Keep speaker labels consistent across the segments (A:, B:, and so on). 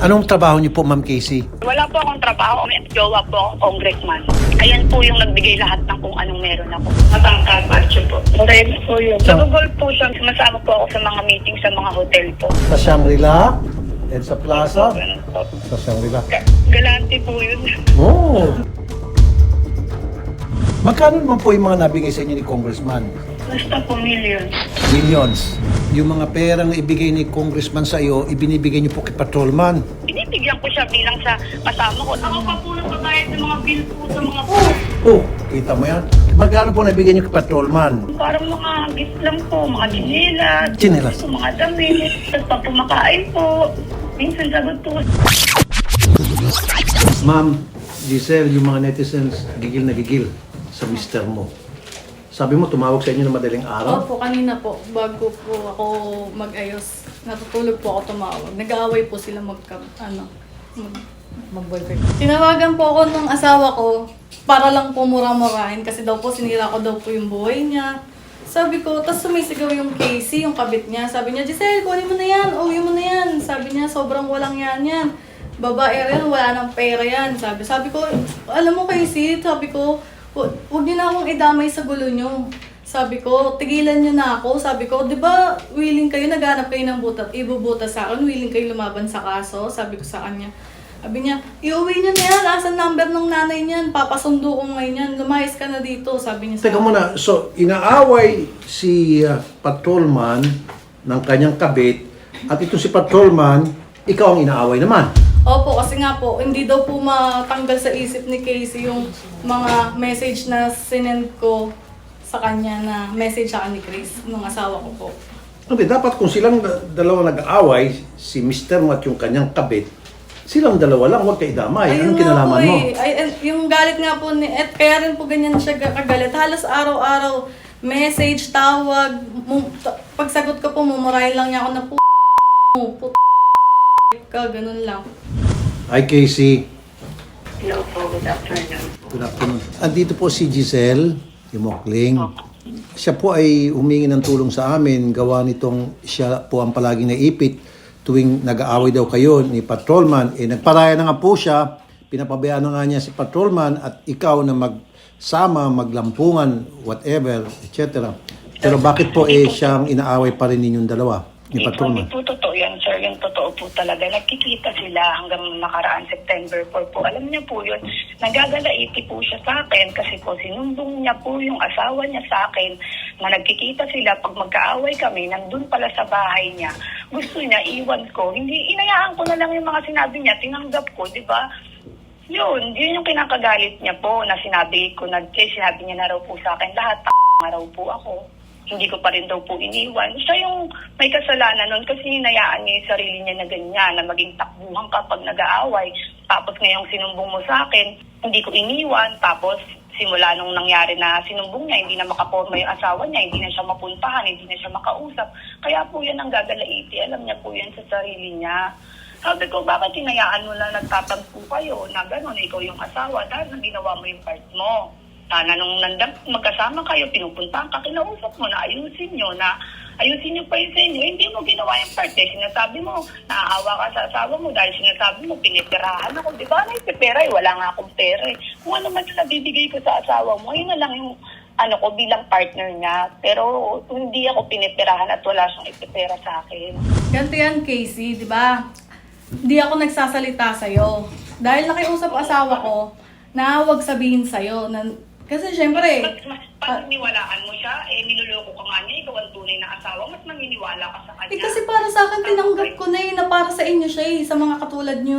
A: Anong trabaho niyo po, Ma'am Casey?
B: Wala po akong trabaho. May jowa po akong congressman. Ayan po yung nagbigay lahat ng kung anong meron ako. Matangkad, macho po. Correct po yun. Nagugol po siya. Sumasama po ako sa mga meeting sa mga hotel po.
A: Sa Shangri-La? At sa Plaza?
B: Ganun po.
A: Sa Shangri-La.
B: Galante po yun.
A: Oh! Magkano naman po yung mga nabigay sa inyo ni Congressman?
B: Basta po millions.
A: Millions. Yung mga perang ibigay ni Congressman sa iyo, ibinibigay niyo po kay Patrolman.
B: Binibigyan ko siya bilang sa kasama ko. Ako pa po nagbabayad ng mga bill po sa mga po.
A: Oh, kita mo yan? Magkano po nabigay niyo kay Patrolman?
B: Parang mga gift lang po, mga chinelas.
A: Chinelas.
B: Mga damit. Tapos pa pumakain po. Minsan sagot po.
A: Ma'am, Giselle, yung mga netizens gigil na gigil sa mister mo. Sabi mo, tumawag sa inyo ng madaling araw?
C: Opo, kanina po, bago po ako mag-ayos, natutulog po ako tumawag. Nag-aaway po sila mag-boyfriend. Tinawagan po ako ng asawa ko para lang po mura-murahin kasi daw po sinira ko daw po yung buhay niya. Sabi ko, tas sumisigaw yung Casey, yung kabit niya. Sabi niya, Giselle, kunin mo na yan, uwi mo na yan. Sabi niya, sobrang walang yan. Babae rin, wala nang pera yan. Sabi ko, alam mo Casey, sabi ko, huwag niyo na akong idamay sa gulo niyo. Sabi ko, tigilan niyo na ako. Sabi ko, di ba willing kayo, naghanap kayo ng butat, ibubuta sa akin, willing kayo lumaban sa kaso? Sabi ko sa kanya. Sabi niya, iuwi niyo na yan, asan number ng nanay niyan, papasundo ko ngayon yan, lumayas ka na dito, sabi niya sa
A: Teka muna, so inaaway si Patrolman ng kanyang kabit at ito si Patrolman, ikaw ang inaaway naman.
C: Opo, kasi nga po, hindi daw po matanggal sa isip ni Casey yung mga message na sinend ko sa kanya na message sa ni Chris, nung asawa ko po.
A: Hindi, dapat kung silang dalawa nag-aaway, si Mr. mo at yung kanyang kabit, silang dalawa lang, huwag kayo damay. Anong kinalaman mo?
C: Yung galit nga po, kaya rin po ganyan siya kagalit. Halos araw-araw, message, tawag, pagsagot ko po, mumurahin lang niya ako na ka, ganun lang.
A: Hi, Casey.
B: Hello po, good afternoon.
A: Good afternoon. Andito po si Giselle, yung Mokling. Siya po ay humingi ng tulong sa amin. Gawa nitong siya po ang palaging naipit tuwing nag-aaway daw kayo ni Patrolman. Nagparaya na nga po siya. Pinapabayaan na nga niya si Patrolman at ikaw na magsama, maglampungan, whatever, etc. Pero bakit po siyang inaaway pa rin ninyong dalawa ni Patrolman?
B: Hindi po totoo yan, sir. Yung totoo po talaga. Nagkikita sila hanggang nakaraan September 4 po. Alam niya po yun. Nagagalaiti po siya sa akin kasi po sinumbong niya po yung asawa niya sa akin na nagkikita sila pag magkaaway kami, nandun pala sa bahay niya. Gusto niya, iwan ko. Hindi, inayaan ko na lang yung mga sinabi niya. Tinanggap ko, di ba? Yun yung kinakagalit niya po na sinabi ko na, sinabi niya na raw po sa akin, lahat na raw po ako. Hindi ko pa rin daw po iniwan. Siya yung may kasalanan nun kasi hinayaan niya yung sarili niya na ganyan, na maging takbuhan kapag nag-aaway. Tapos ngayong sinumbong mo sa akin, hindi ko iniwan. Tapos simula nung nangyari na sinumbong niya, hindi na makaporma yung asawa niya, hindi na siya mapuntahan, hindi na siya makausap. Kaya po yan ang gagalaiti. Alam niya po yan sa sarili niya. Sabi ko, bakit hinayaan mo na nagtatampo kayo na gano'n, ikaw yung asawa dahil nang ginawa mo yung part mo. Sana nung magkasama kayo, pinupuntahan ka, kinausap mo na ayusin nyo pa yun sa inyo. Hindi mo ginawa yung part. Sinasabi mo, naaawa ka sa asawa mo dahil sinasabi mo, pinipirahan ako. Di ba? Naipipera, wala nga akong pera. Kung ano man sila bibigay ko sa asawa mo, yun na lang yung ko bilang partner niya. Pero hindi ako pinipirahan at wala siyang ipipera sa akin.
C: Ganito yan, Casey, di ba? Hindi ako nagsasalita sa'yo. Dahil nakiusap asawa ko na huwag sabihin sa'yo na kasi syempre,
B: Pag niwalaan mo siya, niloloko ka nga niya, ikaw ang tunay na asawa, mas maniniwala ka sa kanya.
C: kasi para sa akin, tinanggap ko na na para sa inyo siya sa mga katulad nyo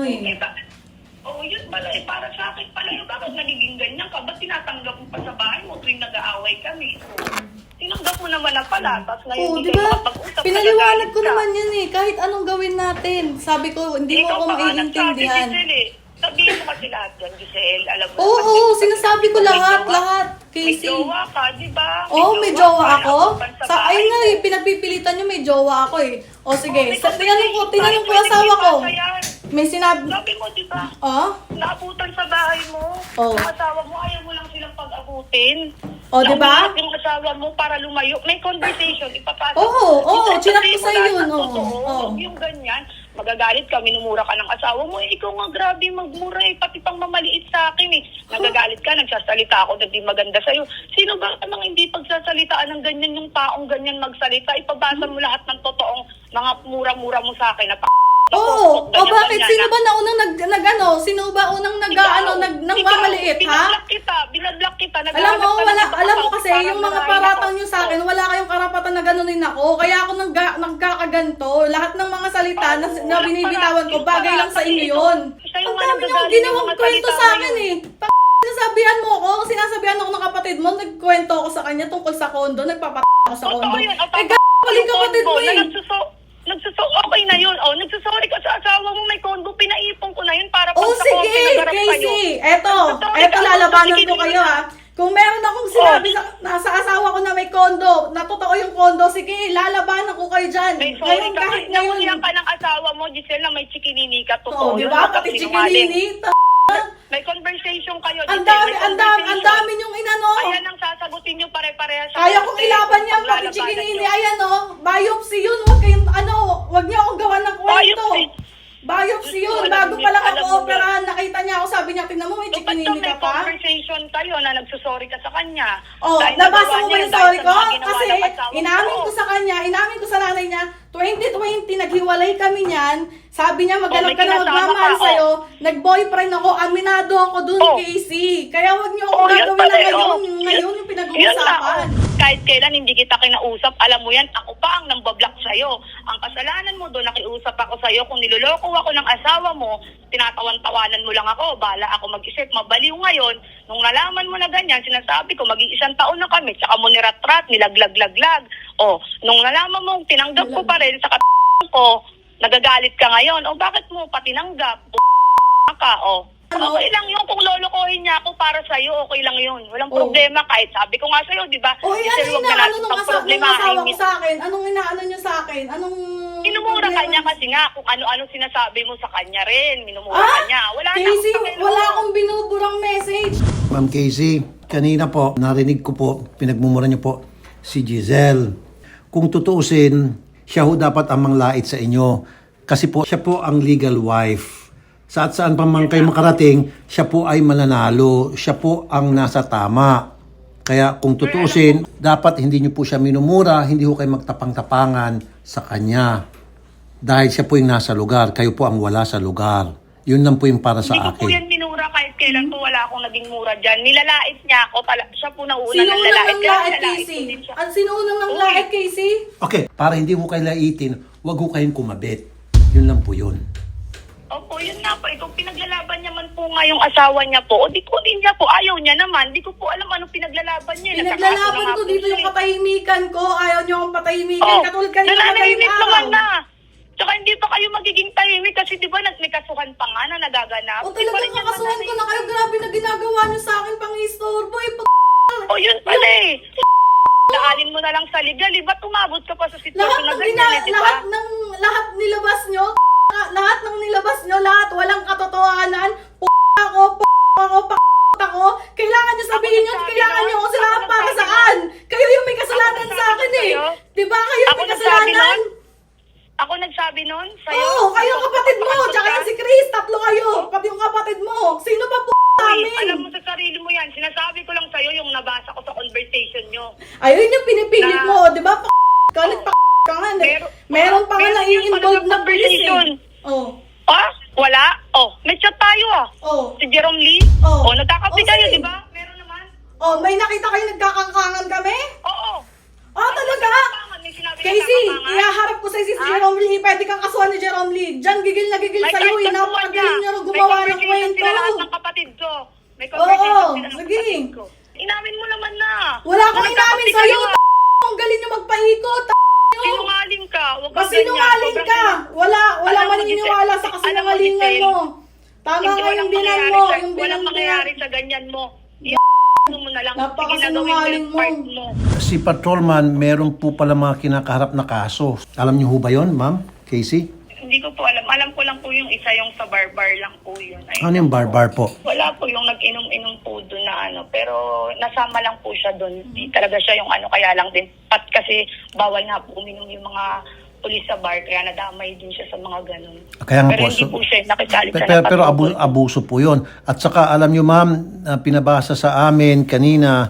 B: Oo, yun pala para sa akin pala bakit nagiging ganyan ka? Ba't tinatanggap mo pa sa bahay mo tuwing nag-aaway kami? Tinanggap mo naman na pala, tapos ngayon
C: Oo,
B: hindi
C: diba?
B: kayo makapag-usap.
C: Pinaliwanag ko naman yan kahit anong gawin natin. Sabi ko, hindi mo ako maiintindihan.
B: Sabihin mo kasi lahat yan, Giselle. Alam mo
C: Oo, sinasabi ko lahat.
B: May
C: Casey.
B: jowa ka, di ba?
C: Oo, may jowa ako. Ayun nga
B: eh,
C: pinagpipilitan nyo, may jowa ako O sige,
B: may
C: so tinanong ko
B: pwede
C: asawa ko.
B: ipasa yan.
C: May sinabi,
B: Sabi mo, di ba?
C: oh?
B: Naabutan sa bahay mo.
C: Oo.
B: Ang asawa mo, ayaw mo lang silang pag-abutin.
C: O, di ba?
B: Yung asawa mo para lumayo. May conversation, ipapasok.
C: Oo, chinat ko sa'yo
B: Wala
C: yun,
B: sa
C: oo.
B: totoo,
C: Oo.
B: Yung ganyan. Magagalit ka, minumura ka ng asawa mo. Ikaw nga, grabe magmura eh. Pati pang mamaliit sa akin eh. Nagagalit ka, nagsasalita ako, hindi maganda sa'yo. Sino ba namang hindi pagsasalitaan ng ganyan yung taong ganyan magsalita? Ipabasa mo lahat ng totoong mga mura-mura mo sa akin na
C: Oo. O
B: ganyan,
C: bakit?
B: ganyan,
C: Sino
B: na-
C: ba na unang nag-ano? Sino ba unang nang mamaliit, ha?
B: Binablock kita.
C: Alam mo,
B: naghahanap ka ng ibang
C: alam mo
B: account
C: kasi,
B: para
C: yung mga
B: marahin
C: paratang
B: ako.
C: nyo sa akin, wala kayong karapatan na ganunin ako. Kaya ako nagkakaganto. Lahat ng mga salita na binibitawan ko, bagay lang sa inyo yun.
B: Sa'yo
C: Ang
B: nga
C: dami nyo
B: nagagaling
C: ginawang
B: yung mga
C: kwento
B: salita
C: sa akin
B: ngayon.
C: Sinasabihan mo ako, sinasabihan ako ng kapatid mo, nagkwento ako sa kanya tungkol sa kondo, ako sa kondo.
B: Totoo yun.
C: Pali kapatid mo eh.
B: Okay na yun. Oh, nagsusorry ka sa asawa mo, may kondo, pinaipon ko na yun para pag
C: Oh,
B: sa
C: sige,
B: konti nagharap kayo.
C: Casey. Eto,
B: Nagsusorry ka,
C: lalabanan
B: sige,
C: ko
B: sige
C: kayo
B: na.
C: ha. Kung meron akong sinabi sa asawa ko na may kondo, na totoo yung kondo, sige, lalabanan ko kayo dyan.
B: May sorry
C: Ngayon,
B: ka.
C: kahit
B: Nangulihan
C: ngayon.
B: ka ng asawa mo, Giselle, na may chikinini ka.
C: Oo,
B: Totoo
C: di
B: yun.
C: ba?
B: Huwag
C: Pati
B: kang sinungaling.
C: chikinini.
B: May conversation kayo,
C: Ang
B: Giselle.
C: dami,
B: may
C: ang dami, ang
B: conversation.
C: dami yung inano.
B: Ayan ang sasagutin nyo pare-parehas. sa
C: Kaya kong
B: korte,
C: ilaban
B: kung
C: yan, pati
B: paglalabanan
C: chikinini.
B: nyo.
C: Ayan o, biopsy yun. Huwag kayong, huwag niyo akong gawan ng kwento.
B: Biopsy.
C: Biopsy yun.
B: Alam
C: Bago
B: niyo,
C: pa lang
B: alam
C: ako
B: niyo.
C: operahan, nakita niya ako, sabi niya, tingnan mo, may
B: So, ba't
C: chikinini
B: may
C: ka pa.
B: conversation kayo na nagsusorry ka sa kanya?
C: Oh,
B: Dahil
C: nabasa
B: nagawa
C: mo ba
B: niya
C: yung
B: dahil
C: story
B: sa
C: ko?
B: mga ginawa
C: Kasi
B: ng asawa
C: inamin ko sa kanya, inamin ko sa nanay niya, 2020, naghiwalay kami niyan. Sabi niya, maghanap
B: may
C: ka na
B: kinasama
C: magmamahal
B: ka,
C: sa'yo. Nag-boyfriend ako, aminado ako dun,
B: Oh.
C: Casey. Kaya wag niyo akong
B: Yun
C: gagawin
B: pala,
C: na ngayon.
B: oh.
C: Ngayon yung
B: Yun na,
C: pinag-uusapan.
B: kahit kailan hindi kita kinausap, alam mo yan, ako pa ang nambablock sa'yo. Ang kasalanan mo doon, nakiusap ako sa'yo. Kung niloloko ako ng asawa mo, tinatawan-tawanan mo lang ako, bala ako mag-isip, mabaliw ngayon. Nung nalaman mo na ganyan, sinasabi ko, mag-iisang taon na kami, tsaka mo nirat-rat, nilaglag-laglag. O, nung nalaman mo, tinanggap ko pa rin sa ko, nagagalit ka ngayon. O, bakit mo pa tinanggap? Ka, o.
C: Ano?
B: Okay lang yun. Kung lolokohin niya ako para sa'yo, okay lang yun. Walang
C: Oh.
B: problema. Kahit sabi ko nga sa'yo, di ba?
C: O,
B: Giselle,
C: ano
B: huwag na
C: inaano
B: natin
C: nung asawa
B: pagproblemahin
C: ko sa akin? Anong inaano niyo sa akin? Anong...
B: Minumura ka niya kasi nga kung ano-ano sinasabi mo sa kanya rin. Minumura ka niya. Wala na
C: Casey,
B: akong pakialam.
C: wala akong binuburang message.
A: Ma'am Casey, kanina po, narinig ko po, pinagmumura niyo po si Giselle. Kung tutuusin, siya ho dapat ang manglait sa inyo. Kasi po, siya po ang legal wife. Saan pa man kayo makarating, siya po ay mananalo. Siya po ang nasa tama. Kaya kung tutuusin, dapat hindi niyo po siya minumura, hindi ho kayo magtapang-tapangan sa kanya. Dahil siya po yung nasa lugar, kayo po ang wala sa lugar. Yun lang po yung para sa
B: Hindi ko po
A: akin.
B: yan minura kahit kailan po wala akong naging mura dyan. Nilalait niya ako. Siya po nauna
C: Sino
B: ng
C: unang
B: lalait.
C: ng
B: Kaya
C: lait,
B: nilalait ko
C: Casey?
B: din siya.
C: Sino unang ng
B: Uy.
C: lait, Casey?
A: Okay, para hindi ho kayo laitin, wag ho kayong kumabit. Yun lang po yun.
B: Opo, yun nga po. Kung pinaglalaban niya man po nga yung asawa niya po, o di ko din niya po, ayaw niya naman. Di ko po alam anong pinaglalaban niya.
C: Pinaglalaban ko dito yung katahimikan ko. Ayaw niyo akong patahimikan. Katulad kanina
B: nananahimik
C: madaling
B: naman
C: araw.
B: na. Tsaka hindi pa kayo magiging tahimik kasi di ba may kasuhan pa nga na nagaganap.
C: O
B: Di pa rin
C: talagang
B: yan
C: kakasuhan ko na kayo. Grabe na ginagawa niyo sa akin pang istorbo.
B: O yun pala eh. Daanin mo na lang sa legal eh. Ba't umabot ka pa sa
C: Lahat
B: sitwasyon na
C: ng
B: ganyan eh, di ba?
C: lahat nilabas niyo. Lahat ng nilabas niyo, lahat walang katotohanan. Ako. Kailangan niyo sabihin yun,
B: nagsabi
C: kailangan
B: nun.
C: niyo ako sila
B: Ako
C: para
B: nagsabi
C: saan? Kayo yung may kasalanan
B: Ako
C: sa akin eh.
B: sa'yo.
C: Di ba kayo
B: Ako
C: may
B: nagsabi
C: kasalanan?
B: nun? Ako nagsabi nun sa'yo?
C: Oo, kayo ang kapatid mo, tsaka yung si Chris, tatlo kayo, pati yung kapatid mo. Sino ba po
B: Uy, alam
C: namin?
B: mo sa sarili mo yan. Sinasabi ko lang sa'yo yung nabasa ko sa conversation nyo.
C: Ayun yung pinipilit
B: Na-
C: mo, di ba? Ka, ka nga. Meron pa nga
B: meron
C: na-i-involve
B: yung
C: na police
B: conversation.
C: eh. Oh,
B: Ah? Wala? Oh, may chat tayo ah.
C: oh.
B: Si Jerome Lee?
C: Oh.
B: Oh, nagkakapi
C: Oh,
B: kayo,
C: sige.
B: di ba? Meron naman?
C: Oh, may nakita kayo nagkakangkangan kami?
B: Oo.
C: Oh, talaga?
B: May sinabi na
C: Casey,
B: kakakangan?
C: ihaharap ko sa si
B: Ah?
C: Jerome Lee. Pwede kang kasuhan ni Jerome Lee. Diyan, gigil na gigil
B: May
C: sa'yo.
B: kahit
C: Napakagaling niyo
B: kasuhan
C: gumawa
B: May
C: ng
B: conversation
C: kwento.
B: sila lahat ng kapatid ko. May conversation
C: Oo,
B: sila ng
C: sige.
B: kapatid ko. Inamin mo naman na.
C: Wala akong
B: Na
C: inamin
B: nagkakapi
C: sa'yo.
B: kayo, ah.
C: Ang galing niyo magpaikot.
B: Sinungaling ka. Huwag kang
C: Masinungaling
B: ganyan.
C: ka. Wala
B: Alam mo,
C: maniniwala sa
B: Giselle,
C: kasinungalingan
B: alam mo,
C: mo. Tama
B: Hindi
C: ka
B: walang
C: yung bilang
B: mangyayari
C: mo.
B: sa-
C: Yung bilang
B: Walang
C: mo.
B: mangyayari sa ganyan mo. Mo na lang.
C: Napakasinungaling
B: Sige, gagawin
C: mo.
B: yung part mo.
A: Si Patrolman, meron po pala mga kinakaharap na kaso. Alam niyo ho ba yon, Ma'am Casey?
B: Hindi ko po alam. Alam ko lang po yung isa, yung sa bar-bar lang po yun. Ayun
A: Ano yung bar-bar po?
B: Wala po yung nag-inom-inom po doon na ano. Pero nasama lang po siya doon. Hindi talaga siya yung ano. Kaya lang din. Kasi bawal na po uminom yung mga pulis sa bar. Kaya nadamay din siya sa mga ganun.
A: Kaya nga
B: Pero
A: po,
B: hindi
A: so-
B: po siya nakisali sa
A: Pero
B: napatungkol.
A: abuso po yun. At saka alam nyo ma'am, pinabasa sa amin kanina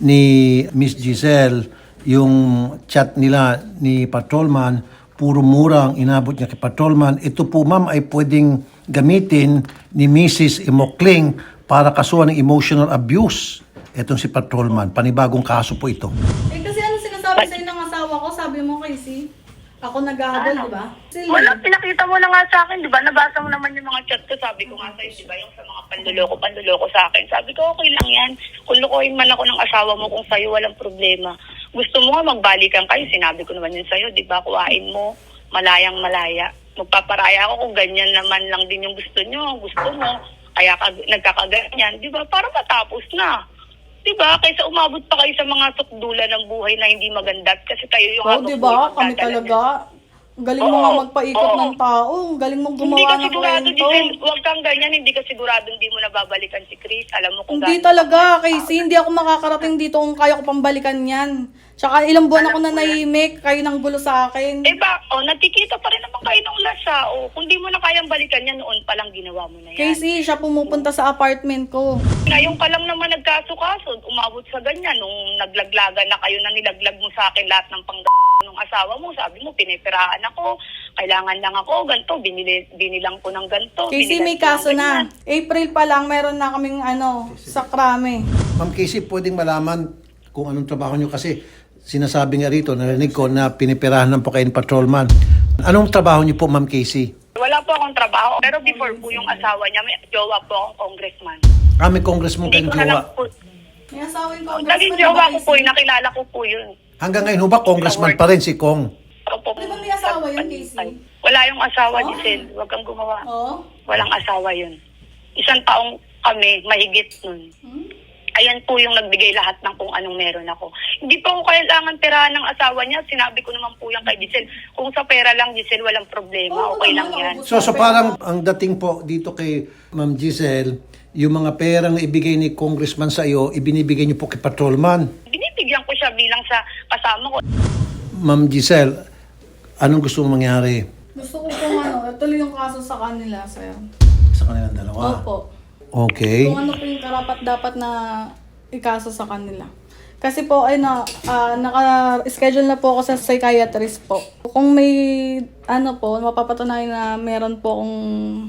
A: ni Miss Giselle yung chat nila ni Patrolman, puro mura ang inabot niya kay Patrolman. Ito po ma'am ay pwedeng gamitin ni Mrs. Imokling para kasuhan ng emotional abuse. Itong si Patrolman. Panibagong kaso po ito.
C: Eh kasi ano sinasabi sa'yo ng asawa ko? Sabi mo Casey, ako nag-ahabol, di ba? Sila.
B: Wala, pinakita mo na nga sa akin, di ba? Nabasa mo naman yung mga chat ko. Sabi ko nga sa'yo, di ba? Yung sa mga panluloko sa akin. Sabi ko, okay lang yan. Kung lukoyin man ako ng asawa mo, kung sa'yo walang problema. Gusto mo nga magbalikan kayo. Sinabi ko naman yun sa'yo, di ba? Kuhain mo, malayang malaya. Magpaparaya ako kung ganyan naman lang din yung gusto nyo. Gusto mo, kaya nagkakaganyan. Di ba? Para matapos na. Diba? Kaysa umabot pa kayo sa mga sukdulan ng buhay na hindi maganda kasi kayo yung
C: Oh,
B: habang
C: di
B: buhay
C: ba? Kami
B: magdadala
C: talaga. Galing mo
B: Oo,
C: nga magpaikot
B: oo.
C: ng tao. Galing mong
B: Hindi
C: gumawa
B: ka
C: ng
B: sigurado,
C: kwento.
B: Giselle, huwag kang ganyan, hindi ka sigurado hindi mo nababalikan si Chris. Alam mo kung
C: Hindi
B: gaano
C: talaga,
B: ka-
C: Casey. Hindi ako makakarating dito kung kaya ko pang balikan yan. Tsaka ilang buwan ako na nahimik. Kayo nang gulo sa akin.
B: Eh ba, nagkikita pa rin naman kayo ng lasa. Kung di mo na kayang balikan yan, noon pa lang ginawa mo na yan.
C: Casey, siya pumupunta sa apartment ko.
B: Ngayon ka lang naman nagkaso-kaso, umabot sa ganyan. Nung naglaglagan na kayo na nilaglag mo sa akin lahat ng ng asawa mo, sabi mo, pinipirahan ako, kailangan lang ako, ganito, binilang ko ng ganito.
C: Casey,
B: binilan
C: may
B: ko ng
C: kaso na.
B: ganyan.
C: April pa lang, meron na kaming sa krame.
A: Ma'am Casey, pwedeng malaman kung anong trabaho nyo kasi sinasabi nga rito, narinig ko na pinipirahan ng po kayo ni Patrolman. Anong trabaho nyo po, Ma'am Casey?
B: Wala po akong trabaho, pero before po yung asawa niya, may jowa po akong congressman.
A: May congressman
B: Hindi
A: kayong
B: ko na lang
A: jowa.
B: po.
C: May asawa yung congressman.
B: Naging
C: di ba,
B: jowa ko po,
C: Casey?
B: nakilala ko po yun.
A: Hanggang ngayon ho ba, congressman pa rin si Kong?
B: Opo.
C: Di ba may asawa yun, Casey?
B: Wala yung asawa,
C: Oh.
B: Giselle. Huwag kang gumawa.
C: Oo.
B: Walang asawa yun. Isang taong kami, mahigit nun.
C: Hmm?
B: Ayan po yung nagbigay lahat ng kung anong meron ako. Hindi po ako kailangan tirahan ng asawa niya. Sinabi ko naman po yan kay Giselle. Kung sa pera lang, Giselle, walang problema.
C: Oo,
B: Okay lang
C: naman,
B: yan.
C: ubus
A: So parang ang dating po dito kay Ma'am Giselle, yung mga perang na ibigay ni congressman sa iyo, ibinibigay niyo po kay Patrolman.
B: Binibigyan ko siya bilang sa kasama ko.
A: Ma'am Giselle, anong gusto mong mangyari
C: Gusto ko kung ituloy yung kaso sa kanila, sir.
A: sa kanilang dalawa?
C: Opo.
A: Okay.
C: Kung ano po yung karapat dapat na ikaso sa kanila. Kasi po, ay naka-schedule na po ako sa psychiatrist po. Kung may, mapapatunayan na meron po akong,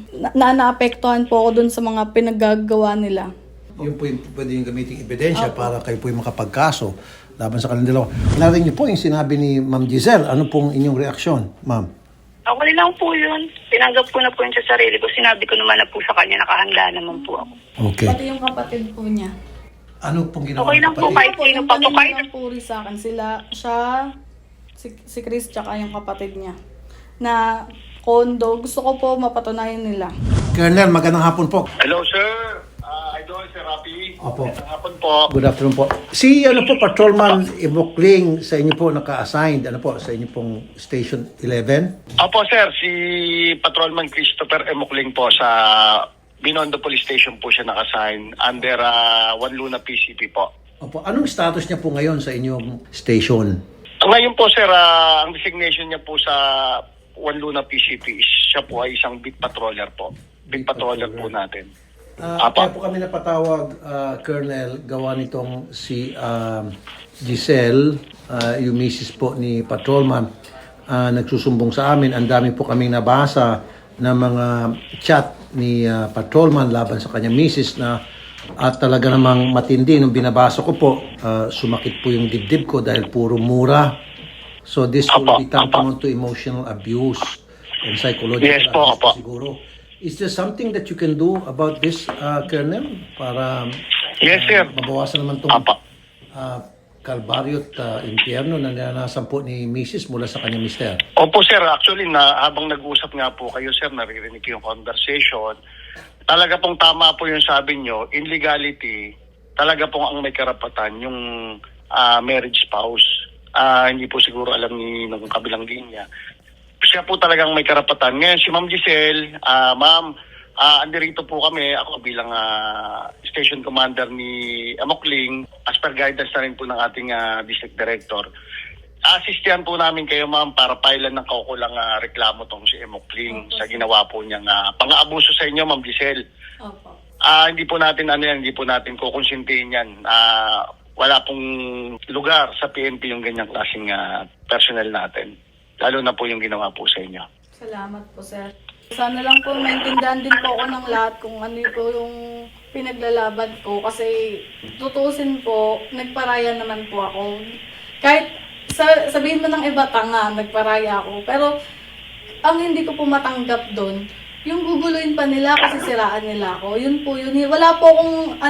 C: naapektuhan po ako dun sa mga pinaggagawa nila.
A: Yun po yung pwede yung gamitin ebidensya para kayo po yung makapagkaso laban sa kanilang dalawa. Narinig niyo po yung sinabi ni Ma'am Giselle. Ano pong inyong reaksyon, Ma'am?
B: Okay lang po yun. Tinanggap ko na po yun sa sarili ko. Sinabi ko naman na po sa kanya, nakahanda naman po ako.
A: Okay.
C: Pati yung kapatid po niya.
A: Ano pong ginawa
B: Okay
A: ng
B: lang po,
A: kapatid?
B: kahit sino pa po, kahit
C: ng puri sa akin. Siya, si Chris, tsaka yung kapatid niya. Na kondo, gusto ko po mapatunayan nila.
A: Colonel, magandang hapon po.
D: Hello, sir. Idol, Sir Rafi.
A: Opo.
D: Magandang hapon po.
A: Good afternoon po. Si Patrolman Imokling sa inyo po naka-assigned sa inyo pong Station 11?
D: Opo, sir. Si Patrolman Christopher Emokling po sa Binondo Police Station po siya nakasign under One Luna PCP po.
A: Opo. Anong status niya po ngayon sa inyong station?
D: Ngayon po, sir, ang designation niya po sa One Luna PCP is siya po ay isang beat patroller po. Beat patroller po natin.
A: Kaya po kami napatawag, Colonel, gawa nitong si Giselle, yung misis po ni Patrolman, nagsusumbong sa amin. Ang dami po kaming nabasa na mga chat ni Patrolman laban sa kanyang misis na at talaga namang matindi. Nung binabasa ko po, sumakit po yung dibdib ko dahil puro mura. So this will be tantamount to emotional abuse and psychological
D: Yes po,
A: abuse
D: opo.
A: siguro. Is there something that you can do about this, Colonel? Para
D: Yes, sir.
A: mabawasan naman itong
D: Apa.
A: kalbaryo at impyerno na naranasan po ni Mrs. mula sa kanyang mister.
D: Opo, sir. Actually, habang nag-usap nga po kayo, sir, naririnig ko yung conversation. Talaga pong tama po yung sabi nyo. In legality, talaga pong ang may karapatan yung marriage spouse. Hindi po siguro alam ni ng kabilang linya. siya po talagang may karapatan. Ngayon, si Ma'am Giselle, ma'am, andirito po kami, ako bilang station commander ni Amokling, as per guidance na rin po ng ating district director. Asistihan po namin kayo, ma'am, para pailan ng kaukulang reklamo tong si Amokling sa ginawa po niyang pang-aabuso sa inyo, Ma'am Giselle.
C: Opo.
D: Hindi po natin hindi po natin kukonsintihin yan. Wala pong lugar sa PNP yung ganyang klaseng personnel natin. Lalo na po yung ginawa po sa inyo.
C: Salamat po, sir. Sana lang po maintindihan din po ako ng lahat kung ano po yung pinaglalaban ko. Kasi tutusin po, nagparaya naman po ako. Kahit sabihin mo ng iba, tanga, nagparaya ako. Pero ang hindi ko po matanggap doon, yung guguluhin pa nila kasi siraan nila ako. Yun po yun. Wala po akong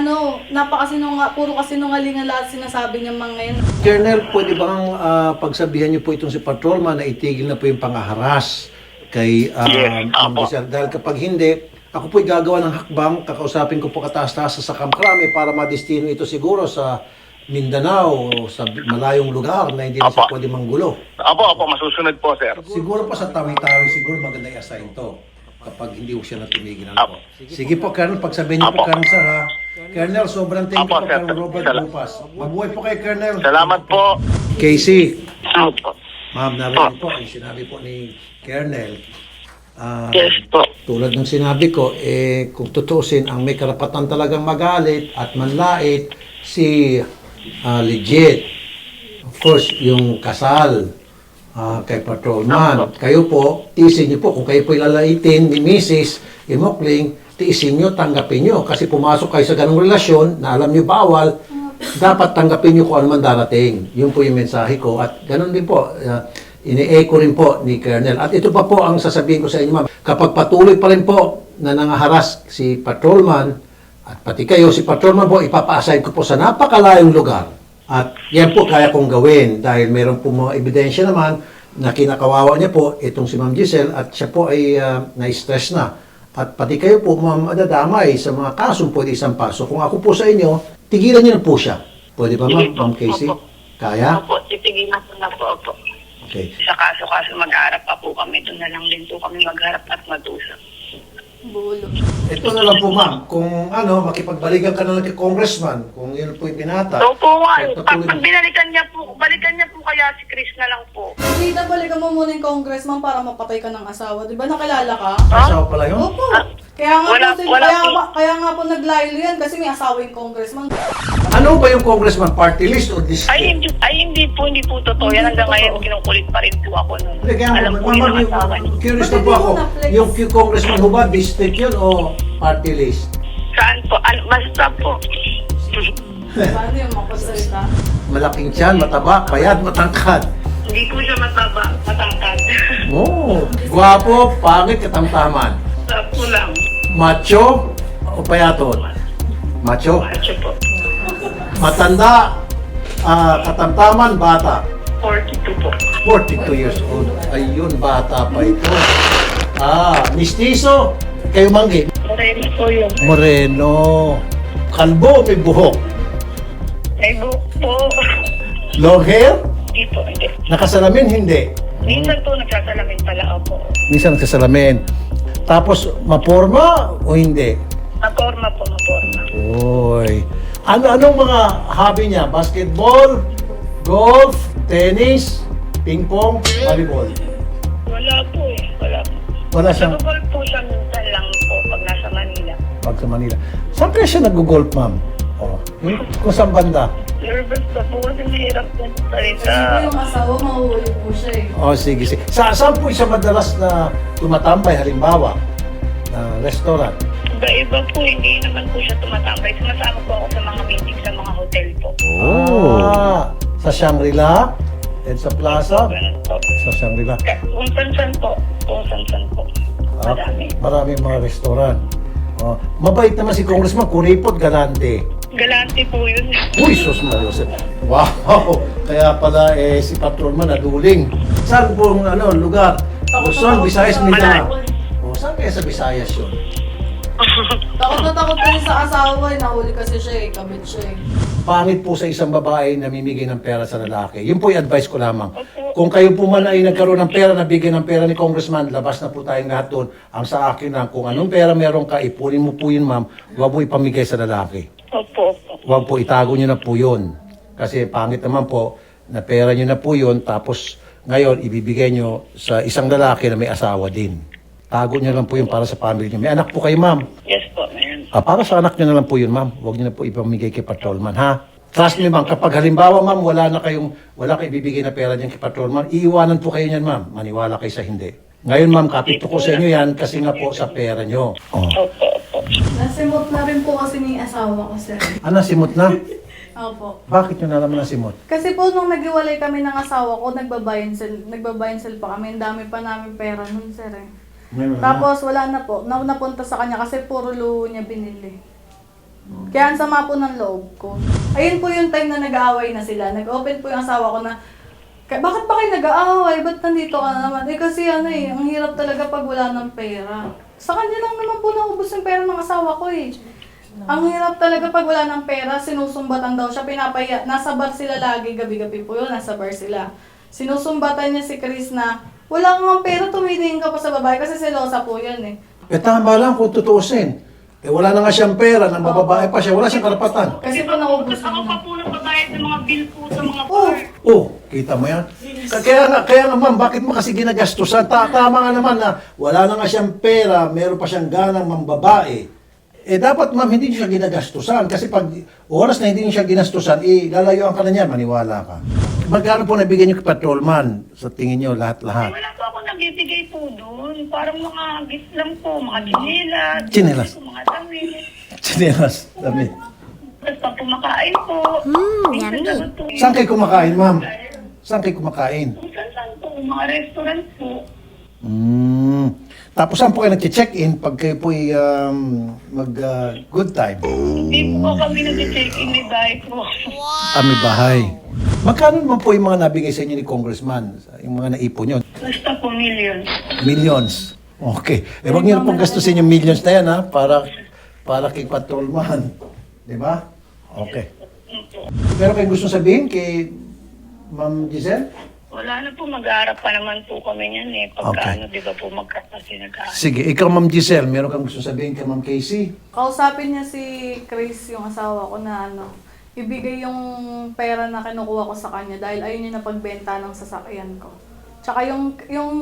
C: puro kasinungalingan lahat sinasabi niya mga ngayon.
A: Colonel, pwede bang pagsabihan niyo po itong si Patrolman na itigil na po yung pangaharas kay
D: Yes,
A: Ma'am
D: apo.
A: Giselle? Dahil kapag hindi, ako po'y gagawa ng hakbang, kakausapin ko po kataas-taas sa Kamkrame para madestino ito siguro sa Mindanao o sa malayong lugar na hindi na siya
D: Apo.
A: pwede manggulo.
D: Opo, masusunod po, sir.
A: Siguro po sa Tawi-Tawi, siguro maganda i-assign to kapag hindi ko siya natumigilan po. Sige po, Colonel, pagsabihin niyo po,
D: Apo.
A: Colonel, sir, ha? Colonel, sobrang thank you
D: Apo,
A: po,
D: sir.
A: Colonel Robert Bupas. Mabuhay po kay Colonel.
D: Salamat po.
A: Casey,
B: Opo.
A: ma'am, narinig po, yung sinabi po ni Colonel.
B: Yes po.
A: Tulad ng sinabi ko, kung tutusin, ang may karapatan talagang magalit at manlait si legit. Of course, yung kasal kay Patrolman. Kayo po, tiisin niyo po. Kung kayo po ilalaitin ni Mrs. Imokling, tiisin niyo, tanggapin niyo. Kasi pumasok kayo sa ganong relasyon na alam niyo bawal, dapat tanggapin niyo kung ano man darating. Yun po yung mensahe ko. At ganun din po, ini-echo rin po ni Colonel. At ito pa po ang sasabihin ko sa inyo, ma'am. Kapag patuloy pa rin po na nangaharas si Patrolman, at pati kayo, si Patrolman po, ipapa-assign ko po sa napakalayong lugar. At yan po kaya kong gawin dahil meron po mga ebidensya naman na kinakawawa niya po itong si Ma'am Giselle at siya po ay na-stress na. At pati kayo po, ma'am, nadadamay sa mga kasong pwede isang paso. Kung ako po sa inyo, tigilan niyo na po siya. Pwede ba, ma'am? Ma'am Casey?
B: Opo.
A: Kaya?
B: Opo, titigilan ko na po. Opo.
A: Okay.
B: Sa kaso-kaso mag-harap pa po kami. Doon na lang din po kami magharap at mag-usap.
C: Bulo.
A: Ito na lang po, ma'am. Kung makipagbalikan ka na lang kay Congressman, kung yun po yung pinata.
B: Opo nga.
A: Kahit
B: Pag
A: patuloy-
B: binalikan niya po kaya si Chris na lang po.
C: Hindi na balikan mo muna yung congressman para mapatay ka ng asawa. Di ba nakilala ka?
A: Asawa pala yun?
C: Opo. Kaya nga
B: Wala-
C: po,
B: wala po.
C: kaya nga po naglaylo yan kasi may asawa yung congressman.
A: Ano ba yung Congressman? Party list o district?
B: Hindi po totoo. Yan hanggang ngayon, kinukulit pa rin po ako nun.
A: Hindi, kaya
B: Alam po yun ang asawa niya.
A: curious na po ako. Yung Congressman ho ba, district yun o party list?
B: Saan po? Basta po.
C: Paano yung makasalita?
A: Malaking tiyan, mataba, payat, matangkad.
B: Hindi po siya matangkad.
A: Oh, gwapo, pangit, katamtaman.
B: Sapo lang.
A: Macho o payatot? Macho.
B: Macho po.
A: Matanda, katamtaman, bata.
B: 42 po.
A: 42 years old. Ayun, bata pa ito. Mistizo. Kayo, Manggi.
B: Moreno po yun.
A: Moreno. Kalbo, may buhok.
B: May buhok po.
A: Long hair?
B: Hindi po, hindi.
A: Nakasalamin, hindi.
B: Minsan po nagsasalamin pala ako.
A: Minsan nagsasalamin. Tapos, maporma o hindi?
B: Maporma po, maporma.
A: Oy. Anong mga hobby niya? Basketball, golf, tennis, ping pong, volleyball?
B: Wala po eh. Wala po.
A: Wala siyang
B: Nag-golf po siya minsan lang po pag nasa Manila.
A: pag sa Manila. Saan kaya siya nag-golf, ma'am? Kung saan banda?
B: Nervous pa po kasi mahirap po
C: Kasi
B: salita.
C: po yung asawa, mahuhuli po siya eh.
A: Sige, sige. Saan po siya madalas na tumatambay, halimbawa? Restaurant?
B: Iba-iba po, hindi naman po siya tumatambay. Sumasama po ako sa mga meeting sa mga hotel po.
A: Sa Shangri-La? Sa Plaza?
B: Ganun po.
A: Sa Shangri-La.
B: Kung san-san po. Kung san-san po. Madami.
A: Maraming mga restaurant. Mabait naman si Congressman, kuripot, galante.
B: Galante po yun.
A: Uy, sus Marios. Wow! Kaya pala si Patrolman naduling. Saan po lugar? Luzon, Visayas, Mindanao. Saan kaya sa Visayas yun?
C: Takot na takot kasi sa asawa eh. Nahuli kasi siya eh. Kabit siya eh.
A: Pangit po sa isang babae na namimigay ng pera sa lalaki. Yun po yung advice ko lamang. Kung kayo po man ay nagkaroon ng pera, nabigyan ng pera ni Congressman, labas na po tayong lahat doon. Ang sa akin lang, kung anong pera meron ka, ipunin mo po yun, ma'am. Huwag mo ipamigay sa lalaki.
B: Opo.
A: Huwag po, itago nyo na po yun. Kasi pangit naman po, na pera nyo na po yun, tapos ngayon, ibibigay nyo sa isang lalaki na may asawa din. Tago nyo lang po yun para sa family nyo. May anak po kayo, ma'am.
B: Yes po, meron.
A: Para sa anak nyo na lang po yun, ma'am. Huwag nyo na po ipamigay kay patrolman, ha? Trust me, ma'am. Kapag halimbawa, ma'am, wala kayo ibibigay na pera niyan kay patrolman, iiwanan po kayo niyan, ma'am. Maniwala kayo sa hindi. Ngayon, ma'am, kapito ko sa inyo yan kasi nga po sa pera nyo. Oh.
B: Opo, opo.
C: Nasimot na rin po kasi ni asawa ko, sir.
A: Simot na?
C: Opo.
A: Bakit nyo nalaman na simot?
C: Kasi po nung naghiwalay kami ng asawa ko, nagbabayan sale pa kami. Ang dami pa namin pera nun, sir eh. Tapos wala na po. Napunta sa kanya kasi puro luho niya binili. Kaya ang sama po ng loob ko. Ayun po yung time na nag-aaway na sila. Nag-open po yung asawa ko na, bakit pa kayo nag-aaway? Ba't nandito ka na naman? Kasi ang hirap talaga pag wala ng pera. Sa kanya lang naman po naubos yung pera ng asawa ko eh. Ang hirap talaga pag wala ng pera, sinusumbatan daw siya, pinapaya. Nasa bar sila lagi, gabi-gabi po yun, nasa bar sila. Sinusumbatan niya si Chris na, wala kang pera, tumingin ka pa sa babae kasi selosa po yan eh.
A: Tama lang kung tutuusin. Wala na nga siyang pera, nang bababae pa siya, wala siyang karapatan.
C: Kasi po naubos
B: Ako pa
C: na.
B: po nagbabayad ng mga bill po sa mga
C: Oh,
B: bar.
A: Kita mo yan? Kaya nga ma'am, bakit mo kasi ginagastusan? Tama nga naman na wala na nga siyang pera, meron pa siyang ganang mambabae. Dapat ma'am, hindi niyo siya ginagastusan. Kasi pag oras na hindi niyo siya ginastusan, lalayuan ka na niya, maniwala ka. Magkano po nabigyan niyo kay patrolman? Sa tingin niyo, lahat-lahat?
B: Wala po ako nagbibigay po doon. Parang mga gift lang po, mga chinelas.
A: Chinelas.
B: Mga damit.
A: Chinelas, damit.
B: Tapos pag kumakain po. Minsan po.
A: Saan kayo kumakain, ma'am? Saan kayo kumakain?
B: Kung saan po, mga restaurant po.
A: Tapos saan po kayo nag-check-in pag kayo po good time?
B: Hindi po kami nag-check-in, may bahay po.
A: May bahay. Magkano naman po yung mga nabigay sa inyo ni Congressman? Yung mga naipon nyo?
B: Basta po millions.
A: Millions. Okay. Huwag niyo na pong gastusin yung millions na yan, ha? Para kay patrolman. Di ba? Okay. Pero kayo gusto sabihin kay Ma'am Giselle?
B: Wala na po, mag-aarap pa naman po kami niyan eh. Pagka
A: Okay.
B: ano, di ba po magkakasi nag-aarap.
A: Sige, ikaw Ma'am Giselle, meron kang gusto sabihin kay Ma'am Casey?
C: kausapin niya si Chris, yung asawa ko na ibigay yung pera na kinukuha ko sa kanya dahil ayun yung napagbenta ng sasakyan ko. Tsaka yung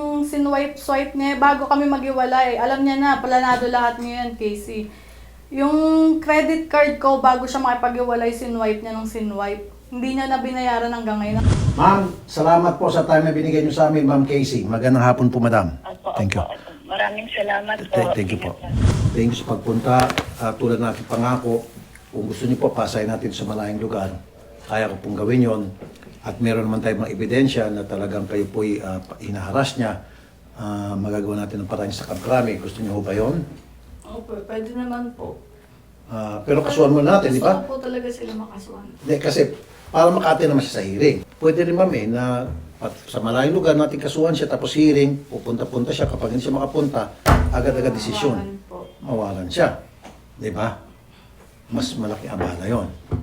C: swipe niya, bago kami maghiwalay, alam niya na, planado lahat niya yan, Casey. Yung credit card ko, bago siya makipaghiwalay, sinwipe niya ng sinwipe. Hindi niya na binayaran hanggang ngayon.
A: Ma'am, salamat po sa time na binigay niyo sa amin, Ma'am Casey. Magandang hapon po, Madam. Thank you.
B: Maraming salamat po.
A: Thank you po. Thank you sa pagpunta. Tulad ng aking pangako, kung gusto niyo po, pasayin natin sa malayong lugar. Kaya ko pong gawin yon. At meron naman tayong mga ebidensya na talagang kayo po'y hinaharas niya. Magagawa natin ng paraan sa kamkrami. Gusto niyo ho ba yun?
C: Opo, pwede naman po.
A: Pero kasuhan mo natin, di ba?
C: Gusto ko po talaga sila makasuhan.
A: Hindi, kasi para makati naman siya sa hearing. Pwede rin ma'am na sa malayong lugar natin kasuhan siya tapos hearing, pupunta-punta siya. Kapag hindi siya makapunta, agad-agad desisyon.
C: Mawalan po.
A: Mawalan siya. Di ba? Mas malaki abala yon.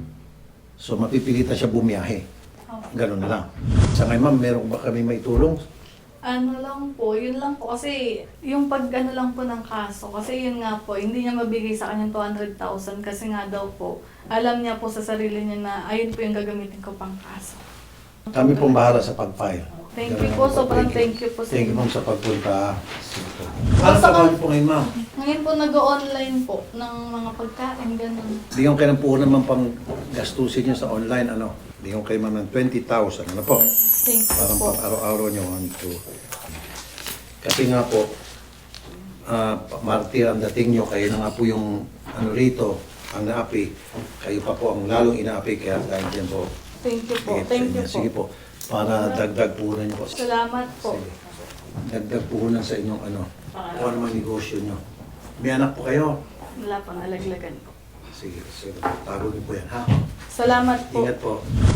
A: So mapipilitan siya bumiyahe. Ganun na lang. Sa ngayon ma'am, meron ba kami maitulong?
C: Ano lang po, yun lang po. Kasi yung pag-ano lang po ng kaso, kasi yun nga po, hindi niya mabigay sa kanya 200,000 kasi nga daw po, alam niya po sa sarili niya na ayun po yung gagamitin ko pang kaso.
A: Kami pong bahala sa pag-file.
C: Thank you po, sobrang thank you po sa
A: Thank you
C: inyo.
A: ma'am sa pagpunta. Ano trabaho niyo po ngayon ma'am?
C: Ngayon po nag-online po ng mga pagkain, ganun.
A: Bigyan kayo ng puhunan naman pang gastusin niyo sa online, ano? Bigyan kayo ma'am ng 20,000, ano po?
C: Thank you
A: Parang
C: po.
A: pang araw-araw niyo, 1, 2. Kasi nga po, martir ang dating niyo, kayo na nga po yung ano rito, ang naapi. Kayo pa po ang lalong inaapi, kaya dahil dyan po.
C: Thank you po.
A: bigay
C: Thank
A: sa
C: you
A: inyo. Sige
C: po.
A: po, para dagdag puhunan niyo po.
C: Salamat po.
A: Sige. Dagdag puhunan sa inyong ano, kung ano man negosyo niyo. May anak po kayo?
C: Wala pang alaglagan po.
A: Sige, tago niyo po yan, ha?
C: Salamat po.
A: Ingat po.